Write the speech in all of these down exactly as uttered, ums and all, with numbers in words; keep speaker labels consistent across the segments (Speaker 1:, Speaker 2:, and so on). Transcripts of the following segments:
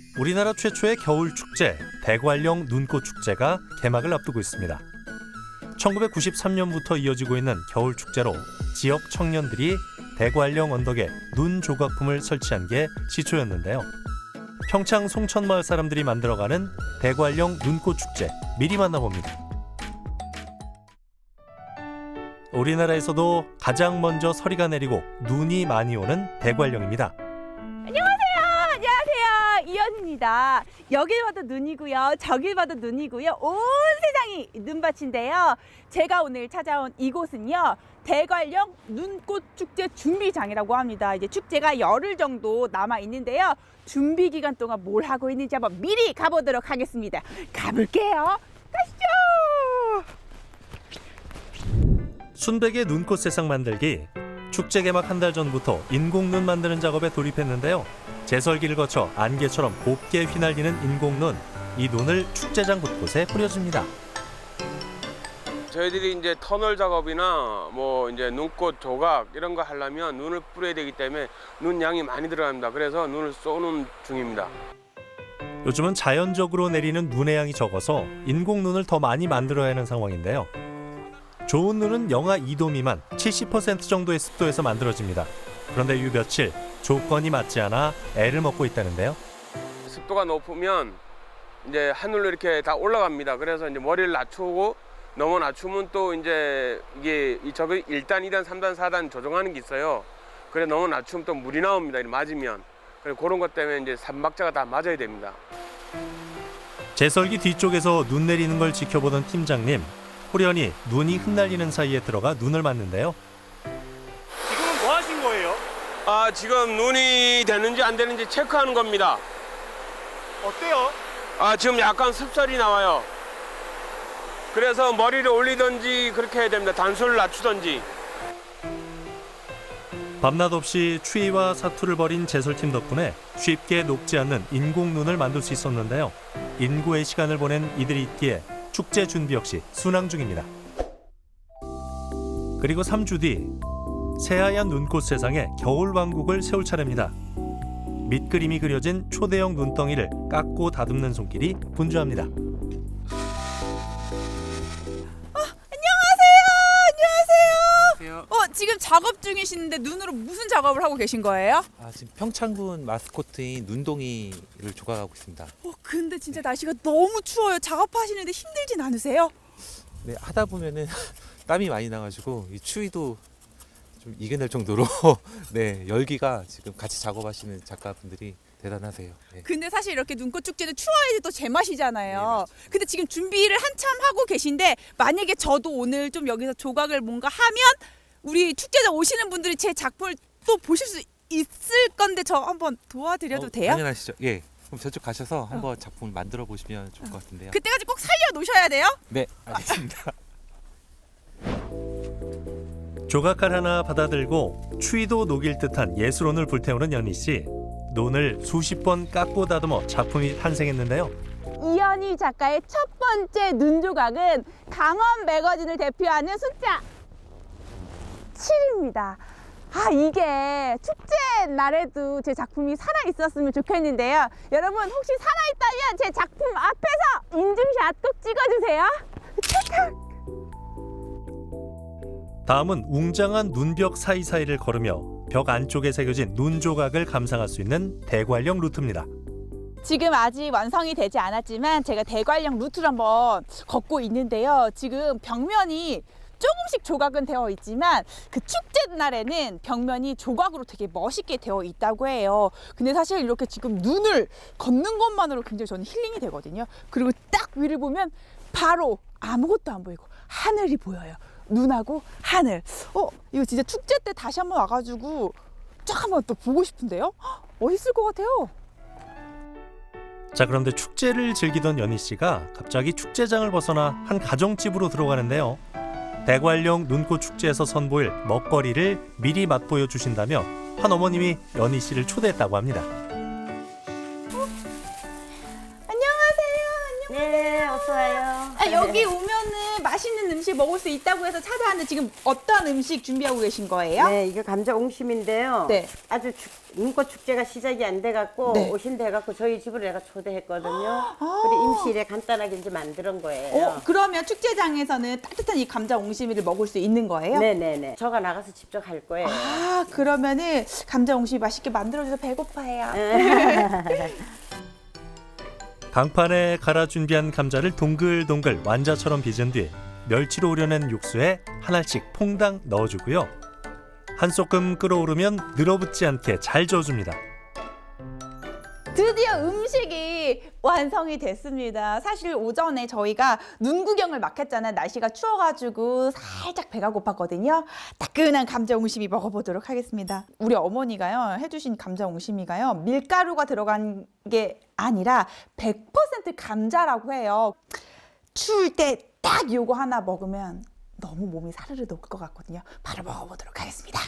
Speaker 1: 우리나라 최초의 겨울 축제 대관령 눈꽃 축제가 개막을 앞두고 있습니다. 천구백구십삼 년부터 이어지고 있는 겨울 축제로 지역 청년들이 대관령 언덕에 눈 조각품을 설치한 게 시초였는데요. 평창 송천마을 사람들이 만들어가는 대관령 눈꽃 축제 미리 만나봅니다. 우리나라에서도 가장 먼저 서리가 내리고 눈이 많이 오는 대관령입니다.
Speaker 2: 이연입니다. 여길 봐도 눈이고요. 저길 봐도 눈이고요. 온 세상이 눈밭인데요. 제가 오늘 찾아온 이곳은요. 대관령 눈꽃 축제 준비장이라고 합니다. 이제 축제가 열흘 정도 남아 있는데요. 준비 기간 동안 뭘 하고 있는지 한번 미리 가보도록 하겠습니다. 가볼게요. 가시죠.
Speaker 1: 순백의 눈꽃 세상 만들기. 축제 개막 한 달 전부터 인공눈 만드는 작업에 돌입했는데요. 제설기를 거쳐 안개처럼 곱게 휘날리는 인공눈. 이 눈을 축제장 곳곳에 뿌려줍니다.
Speaker 3: 저희들이 이제 터널 작업이나 뭐 이제 눈꽃 조각 이런 거 하려면 눈을 뿌려야 되기 때문에 눈 양이 많이 들어갑니다. 그래서 눈을 쏘는 중입니다.
Speaker 1: 요즘은 자연적으로 내리는 눈의 양이 적어서 인공눈을 더 많이 만들어야 하는 상황인데요. 좋은 눈은 영하 이 도 미만 칠십 퍼센트 정도의 습도에서 만들어집니다. 그런데 이 며칠 조건이 맞지 않아 애를 먹고 있다는데요.
Speaker 3: 습도가 높으면 이제 하늘로 이렇게 다 올라갑니다. 그래서 이제 머리를 낮추고 너무 낮추면 또 이제 이게 이 저기 일 단, 이 단, 삼 단, 사 단 조정하는 게 있어요. 그래 너무 낮추면 또 물이 나옵니다. 이렇게 맞으면. 그래 그런 것 때문에 이제 삼박자가 다 맞아야 됩니다.
Speaker 1: 제설기 뒤쪽에서 눈 내리는 걸 지켜보던 팀장님. 호련히 눈이 흩날리는 사이에 들어가 눈을 맞는데요.
Speaker 4: 지금은 뭐 하신 거예요?
Speaker 3: 아 지금 눈이 되는지 안 되는지 체크하는 겁니다.
Speaker 4: 어때요?
Speaker 3: 아 지금 약간 습설이 나와요. 그래서 머리를 올리든지 그렇게 해야 됩니다. 단수를 낮추든지.
Speaker 1: 밤낮 없이 추위와 사투를 벌인 제설팀 덕분에 쉽게 녹지 않는 인공눈을 만들 수 있었는데요. 인고의 시간을 보낸 이들이 있기에 축제 준비 역시 순항 중입니다. 그리고 삼 주 뒤 새하얀 눈꽃 세상에 겨울 왕국을 세울 차례입니다. 밑그림이 그려진 초대형 눈덩이를 깎고 다듬는 손길이 분주합니다.
Speaker 2: 어, 지금 작업 중이신데 눈으로 무슨 작업을 하고 계신 거예요?
Speaker 5: 아, 지금 평창군 마스코트인 눈동이를 조각하고 있습니다.
Speaker 2: 어, 근데 진짜 날씨가 너무 추워요. 작업하시는데 힘들진 않으세요?
Speaker 5: 네, 하다 보면은 땀이 많이 나가지고 이 추위도 좀 이겨낼 정도로 네, 열기가 지금 같이 작업하시는 작가분들이 대단하세요. 네.
Speaker 2: 근데 사실 이렇게 눈꽃 축제는 추워야지 또 제맛이잖아요.
Speaker 5: 네, 맞죠.
Speaker 2: 근데 지금 준비를 한참 하고 계신데 만약에 저도 오늘 좀 여기서 조각을 뭔가 하면 우리 축제장 오시는 분들이 제 작품을 또 보실 수 있을 건데 저 한번 도와드려도
Speaker 5: 어,
Speaker 2: 돼요?
Speaker 5: 당연하시죠. 예. 그럼 저쪽 가셔서 한번 작품을 만들어 보시면 좋을 것 같은데요.
Speaker 2: 그때까지 꼭 살려 놓으셔야 돼요?
Speaker 5: 네, 알겠습니다.
Speaker 1: 조각칼 하나 받아들고 추위도 녹일 듯한 예술혼을 불태우는 연희 씨. 눈을 수십 번 깎고 다듬어 작품이 탄생했는데요.
Speaker 2: 이연희 작가의 첫 번째 눈 조각은 강원 매거진을 대표하는 숫자 칠입니다. 아, 이게 축제 날에도 제 작품이 살아있었으면 좋겠는데요. 여러분 혹시 살아있다면 제 작품 앞에서 인증샷 꼭 찍어주세요.
Speaker 1: 다음은 웅장한 눈벽 사이사이를 걸으며 벽 안쪽에 새겨진 눈 조각을 감상할 수 있는 대관령 루트입니다.
Speaker 2: 지금 아직 완성이 되지 않았지만 제가 대관령 루트를 한번 걷고 있는데요. 지금 벽면이 조금씩 조각은 되어 있지만 그 축제 날에는 벽면이 조각으로 되게 멋있게 되어 있다고 해요. 근데 사실 이렇게 지금 눈을 걷는 것만으로 굉장히 저는 힐링이 되거든요. 그리고 딱 위를 보면 바로 아무것도 안 보이고 하늘이 보여요. 눈하고 하늘. 어, 이거 진짜 축제 때 다시 한번 와가지고 쫙 한번 또 보고 싶은데요? 헉, 멋있을 것 같아요.
Speaker 1: 자, 그런데 축제를 즐기던 연희 씨가 갑자기 축제장을 벗어나 한 가정집으로 들어가는데요. 대관령 눈꽃 축제에서 선보일 먹거리를 미리 맛보여 주신다며 한 어머님이 연희 씨를 초대했다고 합니다.
Speaker 2: 안녕하세요.
Speaker 6: 네, 어서 와요.
Speaker 2: 아, 여기 오면은 맛있는 음식 먹을 수 있다고 해서 찾아왔는데 지금 어떤 음식 준비하고 계신 거예요?
Speaker 6: 네, 이게 감자 옹심인데요.
Speaker 2: 네.
Speaker 6: 아주 축, 눈꽃 축제가 시작이 안 돼갖고
Speaker 2: 네.
Speaker 6: 오신다 해갖고 저희 집으로 내가 초대했거든요. 우리 임시일에 간단하게 이제 만든 거예요.
Speaker 2: 어, 그러면 축제장에서는 따뜻한 이 감자 옹심이를 먹을 수 있는 거예요?
Speaker 6: 네네네. 저가 나가서 직접 할 거예요.
Speaker 2: 아, 그러면은 감자 옹심이 맛있게 만들어줘서 배고파해요.
Speaker 1: 강판에 갈아 준비한 감자를 동글동글 완자처럼 빚은 뒤 멸치로 우려낸 육수에 하나씩 퐁당 넣어주고요. 한 소끔 끓어오르면 늘어붙지 않게 잘 저어줍니다.
Speaker 2: 드디어 음식이 완성이 됐습니다. 사실 오전에 저희가 눈 구경을 막 했잖아요. 날씨가 추워가지고 살짝 배가 고팠거든요. 따끈한 감자 옹심이 먹어보도록 하겠습니다. 우리 어머니가요 해주신 감자 옹심이가요 밀가루가 들어간 게 아니라 백 퍼센트 감자라고 해요. 추울 때 딱 요거 하나 먹으면 너무 몸이 사르르 녹을 것 같거든요. 바로 먹어보도록 하겠습니다.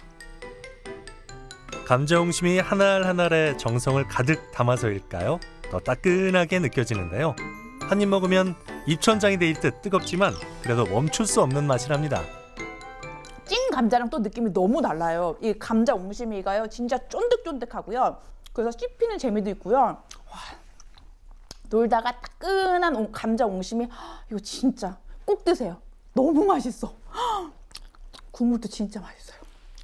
Speaker 1: 감자옹심이 하나알 하나알의 정성을 가득 담아서일까요? 더 따끈하게 느껴지는데요. 한 입 먹으면 입천장이 데일 듯 뜨겁지만 그래도 멈출 수 없는 맛이랍니다.
Speaker 2: 찐 감자랑 또 느낌이 너무 달라요. 이 감자 옹심이가요 진짜 쫀득쫀득하고요. 그래서 씹히는 재미도 있고요. 와, 놀다가 따끈한 옹- 감자 옹심이 이거 진짜 꼭 드세요. 너무 맛있어. 국물도 진짜 맛있어요.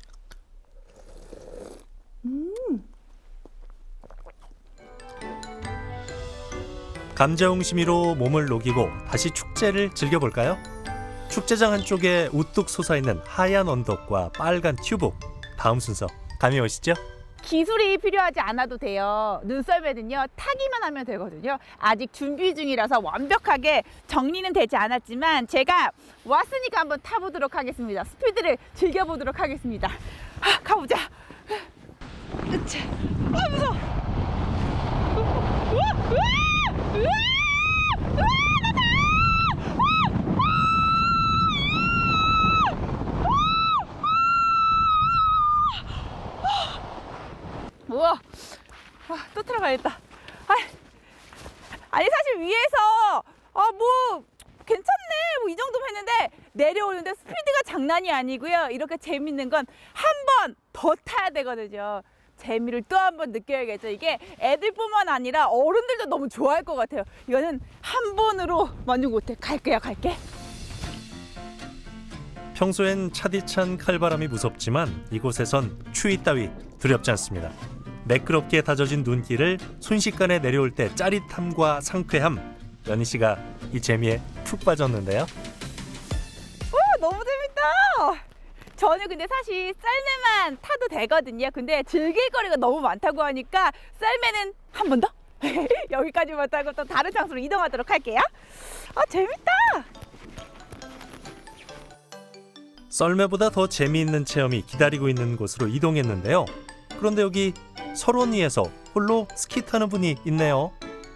Speaker 1: 감자옹심이로 몸을 녹이고 다시 축제를 즐겨볼까요? 축제장 한쪽에 우뚝 솟아있는 하얀 언덕과 빨간 튜브. 다음 순서 감이 오시죠?
Speaker 2: 기술이 필요하지 않아도 돼요. 눈썰매는요 타기만 하면 되거든요. 아직 준비 중이라서 완벽하게 정리는 되지 않았지만 제가 왔으니까 한번 타보도록 하겠습니다. 스피드를 즐겨보도록 하겠습니다. 아, 가보자. 으차. 아, 무서워. 우와, 우와, 우와, 우와, 우와, 와, 또 들어가야겠다. 아, 아니 사실 위에서 아 뭐 괜찮네 뭐 이 정도면 했는데 내려오는데 스피드가 장난이 아니고요. 이렇게 재밌는 건 한 번 더 타야 되거든요. 재미를 또 한 번 느껴야겠죠. 이게 애들뿐만 아니라 어른들도 너무 좋아할 것 같아요. 이거는 한 번으로 만족 못해. 갈게요, 갈게.
Speaker 1: 평소엔 차디찬 칼바람이 무섭지만 이곳에선 추위 따위 두렵지 않습니다. 매끄럽게 다져진 눈길을 순식간에 내려올 때 짜릿함과 상쾌함. 연희 씨가 이 재미에 푹 빠졌는데요.
Speaker 2: 오, 너무 재밌다. 저는 근데 사실 썰매만 타도 되거든요. 근데 즐길 거리가 너무 많다고 하니까 썰매는 한 번 더 여기까지만 타고 또 다른 장소로 이동하도록 할게요. 아, 재밌다.
Speaker 1: 썰매보다 더 재미있는 체험이 기다리고 있는 곳으로 이동했는데요. 그런데 여기 설원위에서 홀로 스키 타는 분이 있네요.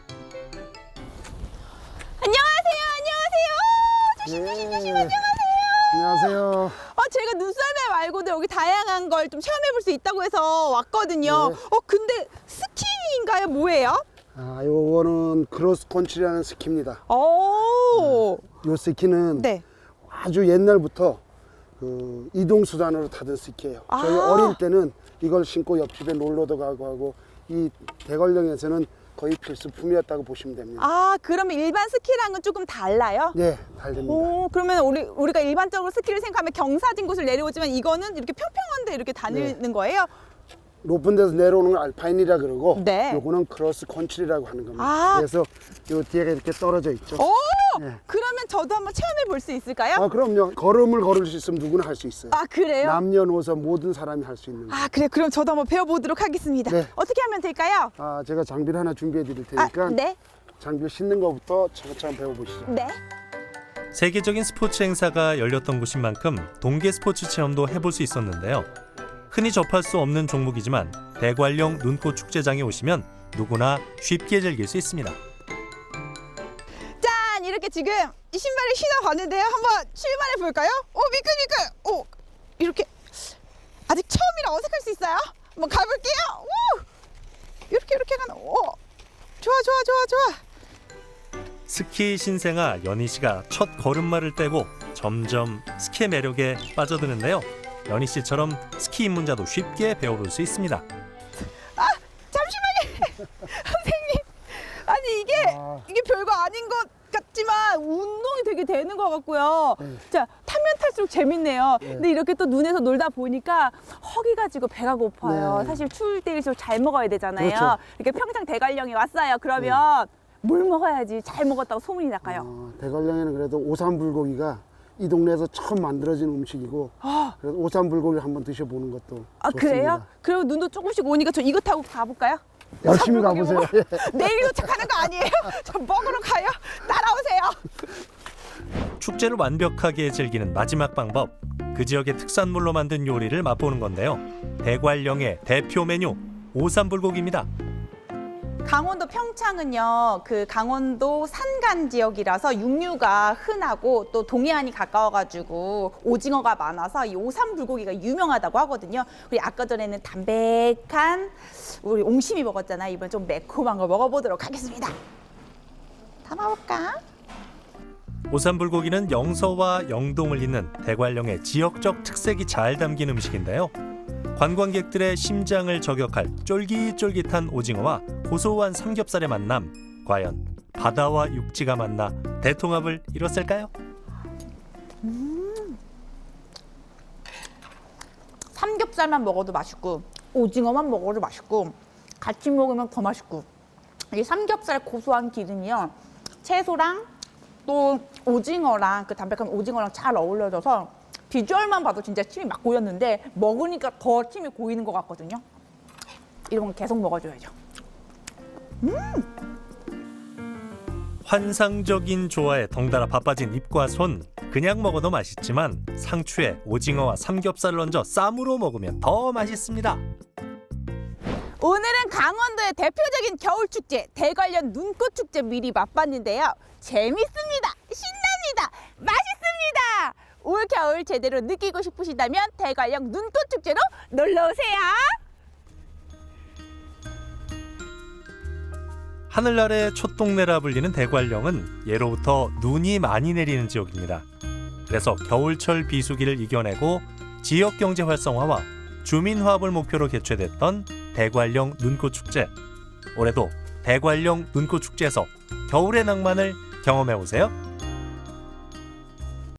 Speaker 2: 안녕하세요. 안녕하세요. 조심, 조심, 조심. 안녕하세요.
Speaker 7: 안녕하세요.
Speaker 2: 어, 제가 눈썰매 말고도 여기 다양한 걸 좀 체험해 볼 수 있다고 해서 왔거든요.
Speaker 7: 네.
Speaker 2: 어, 근데 스키인가요? 뭐예요?
Speaker 7: 아, 요거는 크로스컨트리라는 스키입니다.
Speaker 2: 오.
Speaker 7: 요 스키는
Speaker 2: 네.
Speaker 7: 아주 옛날부터 그 이동 수단으로 타던 스키예요. 저희
Speaker 2: 아.
Speaker 7: 어릴 때는 이걸 신고 옆집에 놀러도 가고 하고 이 대관령에서는 거의 필수품이었다고 보시면 됩니다.
Speaker 2: 아, 그러면 일반 스키랑은 조금 달라요?
Speaker 7: 네, 달립니다.
Speaker 2: 오, 그러면 우리 우리가 일반적으로 스키를 생각하면 경사진 곳을 내려오지만 이거는 이렇게 평평한데 이렇게 다니는 거예요?
Speaker 7: 높은 데서 내려오는 걸 알파인이라 그러고
Speaker 2: 네.
Speaker 7: 요거는 크로스컨트리라고 하는 겁니다.
Speaker 2: 아.
Speaker 7: 그래서 요 뒤에가 이렇게 떨어져 있죠.
Speaker 2: 오,
Speaker 7: 네.
Speaker 2: 그러면 저도 한번 체험해 볼 수 있을까요?
Speaker 7: 아, 그럼요. 걸음을 걸을 수 있으면 누구나 할 수 있어요.
Speaker 2: 아, 그래요?
Speaker 7: 남녀노소 모든 사람이 할 수 있는 거예요.
Speaker 2: 아, 그래. 그럼 저도 한번 배워보도록 하겠습니다.
Speaker 7: 네.
Speaker 2: 어떻게 하면 될까요?
Speaker 7: 아, 제가 장비를 하나 준비해 드릴 테니까
Speaker 2: 아, 네,
Speaker 7: 장비 신는 것부터 차근차근 배워보시죠.
Speaker 2: 네.
Speaker 1: 세계적인 스포츠 행사가 열렸던 곳인 만큼 동계 스포츠 체험도 해볼 수 있었는데요. 흔히 접할 수 없는 종목이지만 대관령 눈꽃 축제장에 오시면 누구나 쉽게 즐길 수 있습니다.
Speaker 2: 짠! 이렇게 지금 이 신발을 신어봤는데요. 한번 출발해 볼까요? 오, 미끌미끌! 오, 이렇게 아직 처음이라 어색할 수 있어요. 한번 가볼게요. 오! 이렇게 이렇게 가는. 오, 좋아 좋아 좋아 좋아.
Speaker 1: 스키 신생아 연희 씨가 첫 걸음마를 떼고 점점 스키의 매력에 빠져드는데요. 연희 씨처럼 스키 입문자도 쉽게 배워볼 수 있습니다.
Speaker 2: 잠시만요. 선생님. 아니 이게
Speaker 7: 아.
Speaker 2: 이게 별거 아닌 것 같지만 운동이 되게 되는 것 같고요.
Speaker 7: 네.
Speaker 2: 자, 타면 탈수록 재밌네요.
Speaker 7: 네.
Speaker 2: 근데 이렇게 또 눈에서 놀다 보니까 허기가 지고 배가 고파요.
Speaker 7: 네.
Speaker 2: 사실 추울 때일수록 잘 먹어야 되잖아요.
Speaker 7: 그렇죠.
Speaker 2: 이렇게 평창 대관령에 왔어요. 그러면 뭘 먹어야지 잘 먹었다고 소문이 날까요?
Speaker 7: 어, 대관령에는 그래도 오삼불고기가 이 동네에서 처음 만들어진 음식이고 그래서 오삼불고기를 한번 드셔보는 것도
Speaker 2: 아,
Speaker 7: 좋습니다.
Speaker 2: 그래요? 그리고 눈도 조금씩 오니까 저 이거 타고 가볼까요?
Speaker 7: 열심히
Speaker 2: 오삼불고기
Speaker 7: 가보세요.
Speaker 2: 먹으러. 내일 도착하는 거 아니에요? 저 먹으러 가요. 따라오세요.
Speaker 1: 축제를 완벽하게 즐기는 마지막 방법. 그 지역의 특산물로 만든 요리를 맛보는 건데요. 대관령의 대표 메뉴 오삼불고기입니다.
Speaker 2: 강원도 평창은요, 그 강원도 산간 지역이라서 육류가 흔하고 또 동해안이 가까워가지고 오징어가 많아서 이 오삼불고기가 유명하다고 하거든요. 우리 아까 전에는 담백한 우리 옹심이 먹었잖아요. 이번 좀 매콤한 거 먹어보도록 하겠습니다. 담아볼까?
Speaker 1: 오삼불고기는 영서와 영동을 잇는 대관령의 지역적 특색이 잘 담긴 음식인데요. 관광객들의 심장을 저격할 쫄깃쫄깃한 오징어와 고소한 삼겹살의 만남, 과연 바다와 육지가 만나 대통합을 이뤘을까요?
Speaker 2: 삼겹살만 먹어도 맛있고 오징어만 먹어도 맛있고 같이 먹으면 더 맛있고 이 삼겹살 고소한 기름이요 채소랑 또 오징어랑 그 담백한 오징어랑 잘 어울려져서 비주얼만 봐도 진짜 침이 막 고였는데 먹으니까 더 침이 고이는 것 같거든요. 이런 건 계속 먹어줘야죠.
Speaker 1: 환상적인 조화에 덩달아 바빠진 입과 손. 그냥 먹어도 맛있지만 상추에 오징어와 삼겹살을 얹어 쌈으로 먹으면 더 맛있습니다.
Speaker 2: 오늘은 강원도의 대표적인 겨울축제 대관령 눈꽃축제 미리 맛봤는데요. 재밌습니다. 신납니다. 맛있습니다. 올 겨울 제대로 느끼고 싶으시다면 대관령 눈꽃축제로 놀러오세요.
Speaker 1: 하늘 아래 촛동네라 불리는 대관령은 예로부터 눈이 많이 내리는 지역입니다. 그래서 겨울철 비수기를 이겨내고 지역 경제 활성화와 주민 화합을 목표로 개최됐던 대관령 눈꽃축제. 올해도 대관령 눈꽃축제에서 겨울의 낭만을 경험해 보세요.